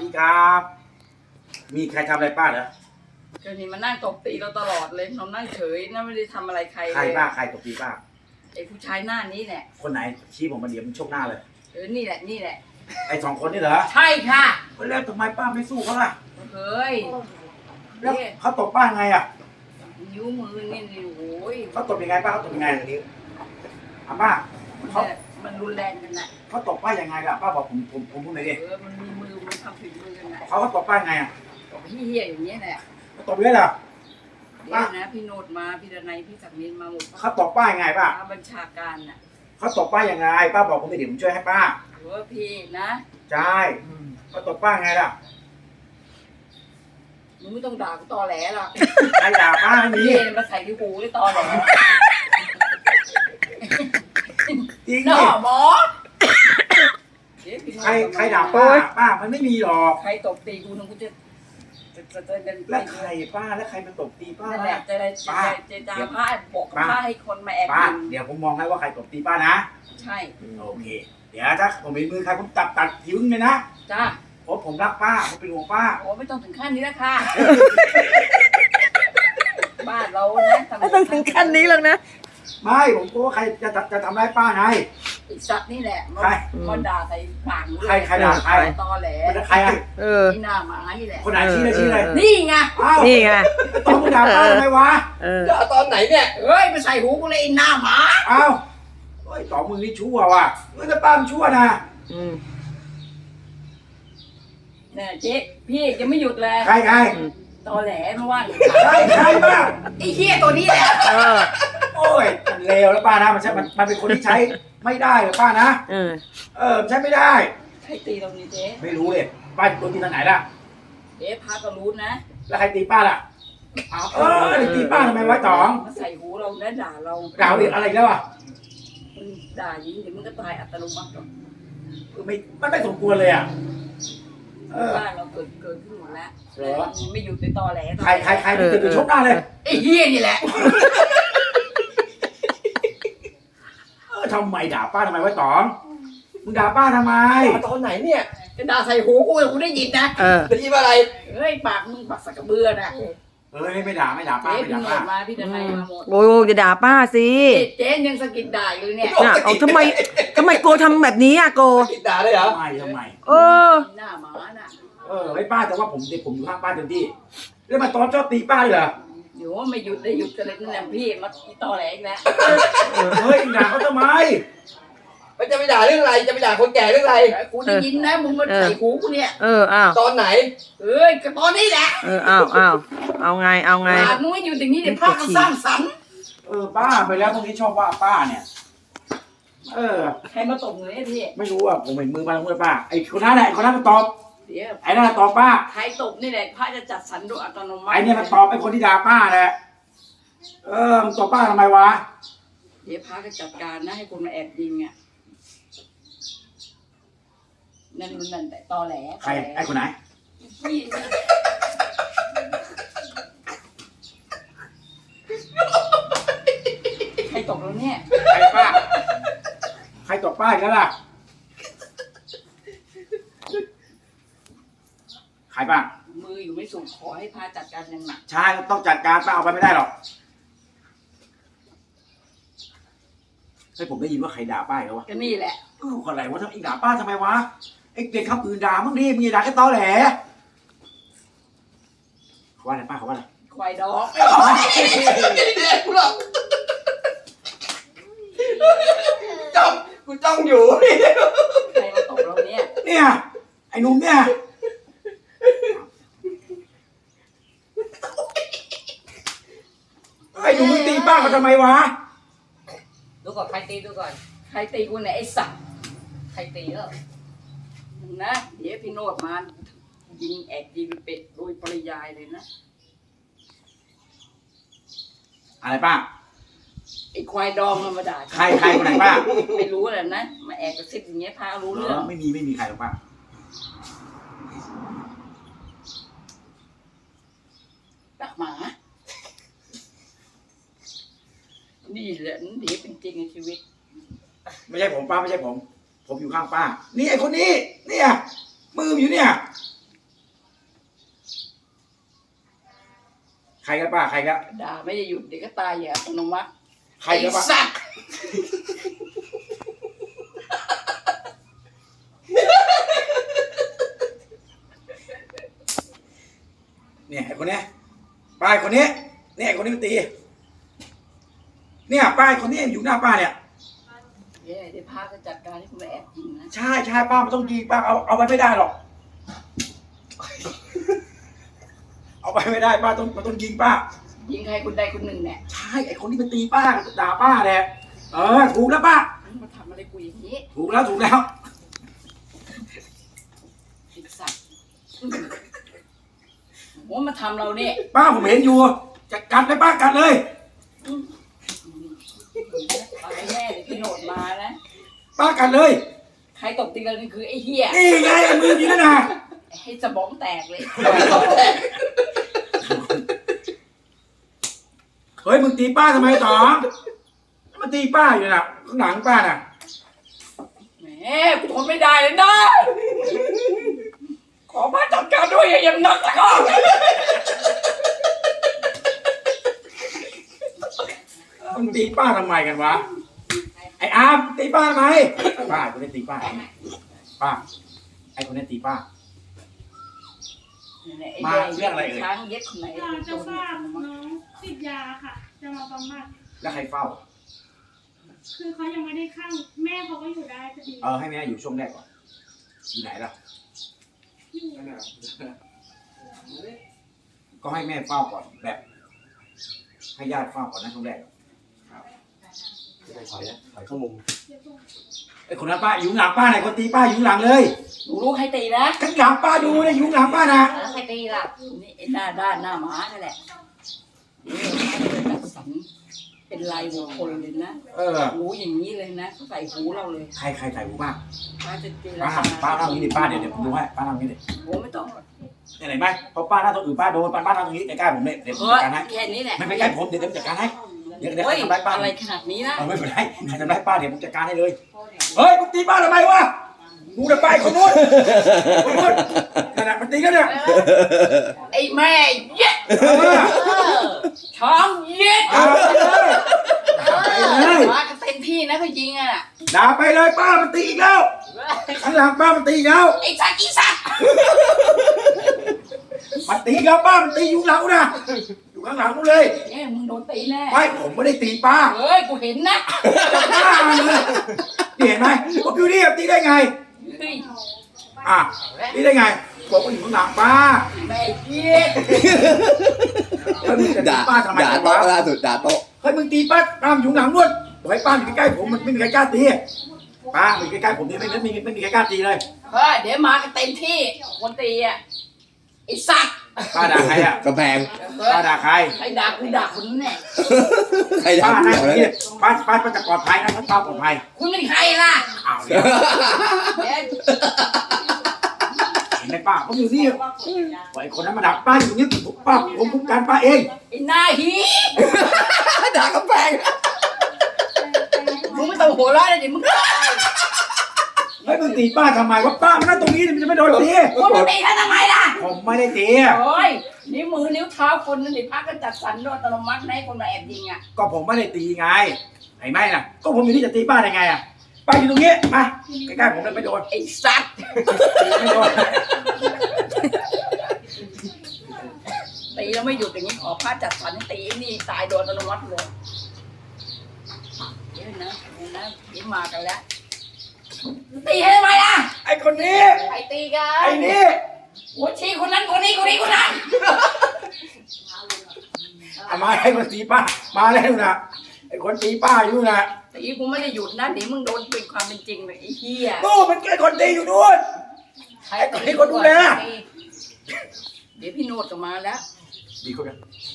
ดีครับมีใครทำอะไรป้าเหรอก็นี่มันนั่งตบตีเราตลอดเลยเรานั่งเฉยนั่งไม่ได้ทำอะไรใครเลยใครป้าใครตบตีป้าไอ้ผู้ชายหน้านี้แหละคนไหนชี้ผมมาเดี๋ยวมันชกหน้าเลยนี่แหละนี่แหละไอ้สองคนนี่เหรอใช่ค่ะแล้วทำไมป้าไม่สู้เขาล่ะเฮ้ยแล้วเขาตบป้าไงอ่ะนิ้วมือนี่โอ้ยเขาตบยังไงป้าเขาตบยังไงนิ้วป้าเขามันรุนแรงกันน่ะเขาตบป้ายังไงล่ะป้าบอกผมพูดหน่อยดิมันมีมือมันทำผิดมือกันน่ะเขาตบป้าไงอ่ะตบเหี้ยอย่างเงี้ยแหละตบเยอะเหรอป้านะพี่โนดมาพี่ดนัยพี่ศักดิ์นินมาหมดเขาตบป้ายังไงป้าบัญชาการน่ะเขาตบป้ายังไงป้าบอกผมไปเดี๋ยวผมช่วยให้ป้าพี่นะใช่เขาตบป้าไงล่ะมึงไม่ต้องด่ากูตอแหลหรอกใครด่าป้าไม่มีมาใส่ที่หูได้ตอแหลจริงดิหมอใครด่าป้ามันไม่มีหรอกใครตบตีกูนึงกูจะแล้วใครป้าแล้วใครมันตบตีป้านั่นแหละจะด่าผ้าบอกผ้าให้คนมาแอบกินเดี๋ยวผมมองให้ว่าใครตบตีป้านะใช่โอเคเดี๋ยวถ้าผมมีมือใครผมตัดทิ้งเลยนะจ้าเพราะผมรักป้าผมเป็นห่วงป้าโอ้ไม่ต้องถึงขั้นนี้แล้วค่ะบ้านเรานะไม่ต้องถึงขั้นนี้หรอกนะไม่ผมกลัวใครจะทำร้ายป้าไงสัตว์นี่แหละมันด่าใส่ปากใครด่าใครตอแหลใครอ่ะนี่หน้าหมานี่แหละคนไหนชี้เลยนี่ไงนี่ไงตอนมึงด่าป้าทำไมวะด่าตอนไหนเนี่ยเฮ้ยไปใส่หูกูเลยหน้าหมาอ้าวเฮ้ยต่อมึงนี่ชั่วว่ะมึงจะป้ามึงชั่วนะเนี่ยเจ๊พี่ยังไม่หยุดเลยใครตอแหลไม่ว่าใครบ้าไอ้เหี้ยตัวนี้แหละโอ้ยมันเลวแล้วป้านะมันเป็นคนที่ใช้ไม่ได้เลยป้านะใช้ไม่ได้ใครตีเรานี่เจ๊ไม่รู้เลยป้าโดนตีทางไหนล่ะเจ๊พาก็รู้นะแล้วใครตีป้าล่ะตีป้าทำไมไว้ตองมาใส่หูเราแล้วด่าเราอะไรแล้วอ่ะด่ายิงเดี๋ยวมันก็ตายอัตโนมัติหรอกมันไม่สมควรเลยอ่ะบ้านเราเกิดขึ้นหมดแล้วไม่หยุดในตอแหลใครติดชกหน้าเลยไอ้เหี้ยนี่แหละทำไมด่าป้าทำไมไว้ตองมึงด่าป้าทำไมตอนไหนเนี่ยจะด่าใส่หูกูได้ยินนะได้ยินอะไรเฮ้ยปากมึงปากสักกระเบือนะไม่ด่าป้าไม่ด่าป้ามาพี่จะให้มาหมดโอ้ยจะด่าป้าสิเจ๊ยังสกิดด่าอยู่เนี่ยเอาทำไมโกทำแบบนี้อ่ะโกสกิดด่าเลยเหรอทำไมหน้าหมาน่ะไอ้ป้าแต่ว่าผมอยู่ข้างป้าเต็มที่แล้วมาตอนชอบตีป้าเหรอเดี๋ยวไม่หยุดได้หยุดกันเลยนั่นแหละพี่มาตอแหลอีกแล้วเฮ้ยด่าเขาทำไมมันจะไปด่าเรื่องอะไรจะไปด่าคนแก่เรื่องอะไรกูได้ยินนะมึงมาใส่หูกูเนี่ยอ้าวตอนไหนก็ตอนนี้แหละเอาไงมึงไม่หยุดอย่างนี้เดี๋ยวพากันสร้างสรรค์ป้าไปแล้วพวกนี้ชอบว่าป้าเนี่ยใครมาตบเงยพี่ไม่รู้อ่ะผมเห็นมือมาแล้วมือป้าไอ้คนนั้นแหละคนนั้นมาตอบไอ้นั่นตอบป้าใครตบนี่แหละพระจะจัดสรรโดยอัตโนมัติไอ้เนี่ยมันตอบไอ้คนที่ด่าป้าแหละมันตอบป้าทำไมวะเดี๋ยวพระก็จัดการนะให้คนมาแอบยิงอ่ะนั่นแต่ตอแหลใครไอ้คนไหนใครตบเราเนี่ยใครป้าใครตบป้าอีกแล้วล่ะใครป้ามืออยู่ไม่สุขขอให้พาจัดการอย่างหนักใช่ต้องจัดการป้าเอาไปไม่ได้หรอกให้ผมได้ยินว่าใครด่าป้าเหรอวะก็นี่แหละคนไหนวะทำอีกด่าป้าทำไมวะไอ้เด็กคำอื่นด่ามึงดิมึงอย่าด่าแค่ตอแหลเขาว่าอะไรป้าเขาว่าอะไรควายดอกเด็กกูหรอกกูจ้องอยู่ใครมาตบเราเนี่ยไอ้หนุ่มเนี่ยไอ้หนุ่มมึงตีป้าเขาทำไมวะดูก่อนใครตีดูก่อนใครตีกูเนี่ยไอ้สัตว์ใครตีนะเดี๋ยวพี่โนดมายิงเป็ดโดยปริยายเลยนะอะไรป้าไอ้ควายดองมาด่าใครคนไหนป้าไม่รู้แหละนะมาแอบกระซิบอย่างเงี้ยพารู้เรื่องไม่มีใครหรอกป้าตักหมานี่แหละนี่เป็นจริงในชีวิตไม่ใช่ผมป้าไม่ใช่ผมอยู่ข้างป้านี่ไอ้คนนี้เนี่ยมืออยู่เนี่ยกันป้าใครกันด่าไม่ได้หยุดเดี๋ยวก็ตายอย่างอัตโนมัติใครกันป้าสัตว์เนี่ยไอ้คนเนี้ยป้าไอ้คนนี้เนี่ยไอ้คนนี้มันตีเนี่ยป้าไอ้คนนี้อยู่หน้าป้าเนี่ยเดี๋ยวพาก็จัดการให้คุณมาแอบยิงนะใช่ใช่ป้ามันต้องยิงป้าเอาไว้ไม่ได้หรอก เอาไปไม่ได้ป้ามันต้องยิงป้ายิงใครคนใดคนหนึ่งเนี่ยใช่ไอ้คนที่มันตีป้าด่าป้าแหละถูกแล้วป้ามาทำอะไรกูอย่างนี้ถูกแล้วไอ้สัตว์โอ้มาทำเราเนี่ยป้าผมเห็นอยู่จะกัดเลยป้ากัดเลยตายแน่เดี๋ยวพี่โนดมานะป้ากัดเลยใครตบตีกันนี่คือไอ้เหี้ยนี่ไงไอ้มือนี่นะให้สมองแตกเลยเฮ้ยมึงตีป้าทำไมต่อมันตีป้าอยู่น่ะข้างหลังป้าน่ะแหมกูทนไม่ได้เลยนะขอมาจัดการด้วยอย่างหนักแล้วก็มึงตีป้าทำไมกันวะไอ้อาร์มตีป้าทำไมป้าคนนี้ตีป้าป้าไอ้คนนี้ตีป้า มาเรื่องอะไรเอ่ยช้างเย็ดคนไหนเราจะฝากน้องติดยาค่ะ จะมาบำบัดแล้วใครเฝ้าคือเขายังไม่ได้ข้างแม่เขาก็อยู่ได้พอดีให้แม่อยู่ช่วงแรกก่อนอยู่ไหนล่ะอยู่ก็ให้แม่เฝ้าก่อนแบบ ให้ญาติเฝ้าก่อนนะช่วงแรกถอยเข้ามุมเดี๋ยวก่อนไอ้คนนั้นป้าอยู่หลังป้าไหนคนตีป้าอยู่หลังเลยหนูรู้ใครตีนะข้างหลังป้าดูเลยอยู่หลังป้านะแล้วใครตีล่ะนี่ไอ้หน้าด้านหน้าหมานั่นแหละนี่จัดสรรเป็นลายบุคคลเลยนะ หูอย่างนี้เลยนะเขาใส่หูเราเลยใครใส่หูป้าป้าจะเจรป้าจาป้านั่งนี้ดิป้าเดี๋ยวผมดูให้ป้านั่งนี้ดิโอ้ไม่ต้องหรอกไหนไหมเพราะป้านั่งตรงอื่นป้าโดนป้านั่งตรงนี้ใกล้ๆผมเนี่ยเดี๋ยวผมเฮ้จัยดการให้แค่นี้แหละไม่ใกล้ผมเดี๋ยวผมจัดการให้เดี๋ยวเฮ้ยทำร้ายป้าอะไรขนาดนี้นะไม่เป็นไรใครทำร้ายป้าเดี๋ยวผมจัดการให้เลยเฮ้ยมึงตีป้าทำไมวะกูจะไปคนนู้นขนาดมันตีกันเนี่ยไอ้แม่เย็ดเออช้องเย็ดเอาไปเลยมากันเต็มที่นะเขายิงอ่ะด่าไปเลยป้ามันตีอีกแล้วข้างหลังป้ามันตีอีกแล้วไอ้สัตว์อีสัตว์มันตีอีกแล้วป้ามันตีอยู่หลังกูนะอยู่ข้างหลังกูเลยเนี่ยมึงโดนตีแน่ไม่ผมไม่ได้ตีป้าเฮ้ยกูเห็นนะป้าเลยนี่เห็นไหมผมอยู่นี่ตีได้ไงเฮ้ยตีได้ไงบอกว่าอยู่ข้างหลังป้าแม่เย็ดแล้วมึงจะตีด่าป้าทำไมด่ากันโต๊ะวะล่าสุดด่าโต๊ะเฮ้ยมึงตีป้าป้าอยู่หลังนู่นบอกให้ป้าอยู่ใกล้ๆผมมันไม่มีใครกล้าตีป้าอยู่ใกล้ๆผมนี่ไม่มีใครกล้าตีเลยเฮ้ยเดี๋ยวมากันเต็มที่คนตีอ่ะไอ้สัตว์ป้าด่าใครอ่ะกำแพงป้าด่าใครใครด่ากูด่าคนนั้นแน่ใครด่าป้ากูนั่งเหรออย่างนี้ป้าจะปลอดภัยนะป้าปลอดภัยคุณเป็นใครล่ะอ้าวเนี่ยเดี๋ยวเห็นไหมป้าผมอยู่นี่ไอ้คนนั้นมาด่าป้าอยู่นี่ป้าผมคุ้มกันป้าเองไอ้หน้าหีด่ากำแพงมึงไม่ต้องหัวเราะเลยดิมึงตายเฮ้ยมึงตีป้าทำไมวะป้ามันนั่งตรงนี้มันจะไม่โดนตีมึงมาตีเขาทำไมล่ะผมไม่ได้ตีโอ้ยนิ้วมือนิ้วเท้าคนนั่นดิพักก็จัดสรรด้วยอัตโนมัติให้คนมาแอบยิงอ่ะก็ผมไม่ได้ตีไงไอ้ไม่น่ะก็ผมอยู่นี่จะตีป้าได้ไงอ่ะป้าอยู่ตรงนี้มาใกล้ๆผมเลยไม่โดนไอ้สัตว์ไม่โดนตีแล้วไม่หยุดอย่างนี้ขอพระจัดสรรให้ตีไอ้นี่ตายโดนอัตโนมัติเลยเดี๋ยวนะยิ้มมากันแล้วตีให้ทำไมล่ะไอ้คนนี้ใครตีกันไอ้นี่หัวชี้คนนั้นคนนี้คนนี้คนนั้นเอามาให้คนตีป้ามาแล้วนะไอ้คนตีป้าอยู่นะตีกูไม่ได้หยุดนะเดี๋ยวมึงโดนเป็นความเป็นจริงเลยไอ้เหี้ยนู่นมันแค่คนตีอยู่นู่น ไอ้คนดูแลเดี๋ยวพี่โนดก็มาแล้วดีคนกัน